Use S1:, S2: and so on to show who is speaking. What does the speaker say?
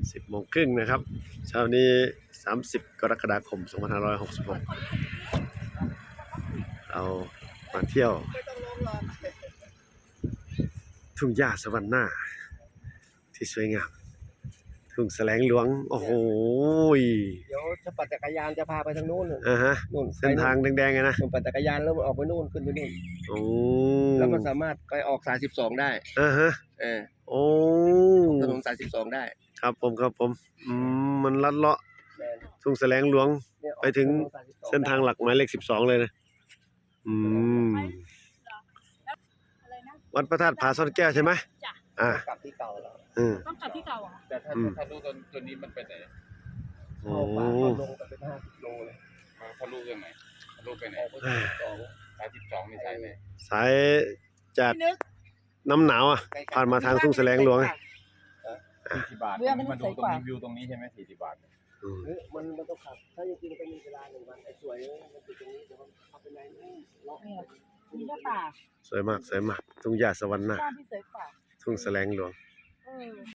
S1: 10:30นะครับเช้านี้30กรกฎาคม2566เรามาเที่ยวทุ่งหญ้าสวรรค์หน้าที่สวยงามทุ่งแสลงหลวงโอ้โห
S2: เดี๋ยวจะปั่นจักรยานจะพาไปทางนู้น
S1: ฮะ
S2: นู่น
S1: เส้นทางแดงๆไงนะ
S2: ปั่นจักรยานแล้วมันออกไปนู่นขึ้นไปนู่น
S1: โอ้
S2: แล้วมันสามารถไปออกสาย12ได้
S1: ฮะโอ้
S2: ถนนสาย12ได้
S1: ครับผมมันลัดเลาะทุ่งแสลงหลวงไปถึงเส้นทางหลักหมายเลข12เลยนะวัดพระธาตุผาซ่อนแก้วใช่ไหมจ้ะ
S2: กลับที่เก่าแล้ว
S3: ต้องกลับที่เก่าเหรอ
S4: แต่ถ้ารู้ตัวนี้มันไปไหน
S2: โอ้ลงไปเป็น50 โลเลย
S4: ทะลุยังไงทะลุไปไหนสาย12นี่สายไหน
S1: สายจากน้ำหนาวผ่านมาทางทุ่งแสลงหลวง
S4: 40 บาทมาดูตรงนี้วิวตรงนี้ใช่ไหม40 บาท
S2: มันต้องขับถ้าจริงๆเป็นเวลา1 วันไอ้สวยมันอยู่ตรงนี้เดี๋ยวมันเข้าไปในเลาะ
S3: มีหน้าป่า
S1: สวยมากทุ่งหญ้าสวรรค์หน้า
S3: บ้านที่สวยกว่า
S1: ทุ่งแสลงหลวง